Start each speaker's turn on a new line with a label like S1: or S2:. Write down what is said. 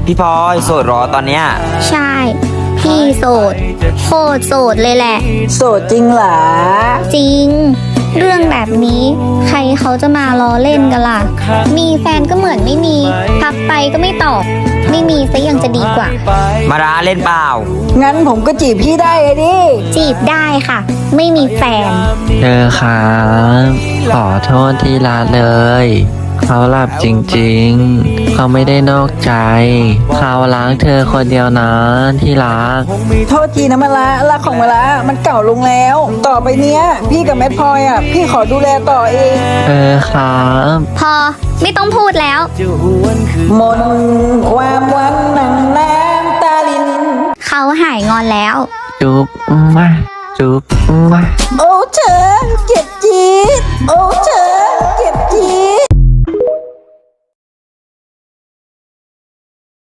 S1: พี่พลอยโสดเหรอตอนเนี้ย
S2: ใช่ พี่โสด โคตรโสดเลยแหละ
S3: โสดจริงเหรอ
S2: จริง เรื่องแบบนี้ ใครเขาจะมาล้อเล่นกันล่ะ มีแฟนก็เหมือนไม่มี ทักไปก็ไม่ตอบ ไม่มีซะยังจะดีกว่า
S1: มาร้าเล่นเปล่า
S3: งั้นผมก็จีบพี่ได้เลยดิ
S2: จีบได้ค่ะ ไม่มีแฟน
S4: เธอครับขอโทษที่รักเลย เขาหลับจริงๆ เขาไม่ได้นอกใจ เขารักเธอคนเดียวนะที่รัก
S3: โทษทีนะมะละรักของมะละมันเก่าลงแล้ว ต่อไปเนี้ย พี่กับแม่พลอยอ่ะ พี่ขอดูแลต่อเอง
S4: ครับ
S2: พอไม่ต้องพูดแล้ว
S3: มนความวันหนังน้ำตาลิน
S2: เขาหายงอนแล้ว
S4: จุ๊บมาจุ๊บมา
S3: โอ้เธอ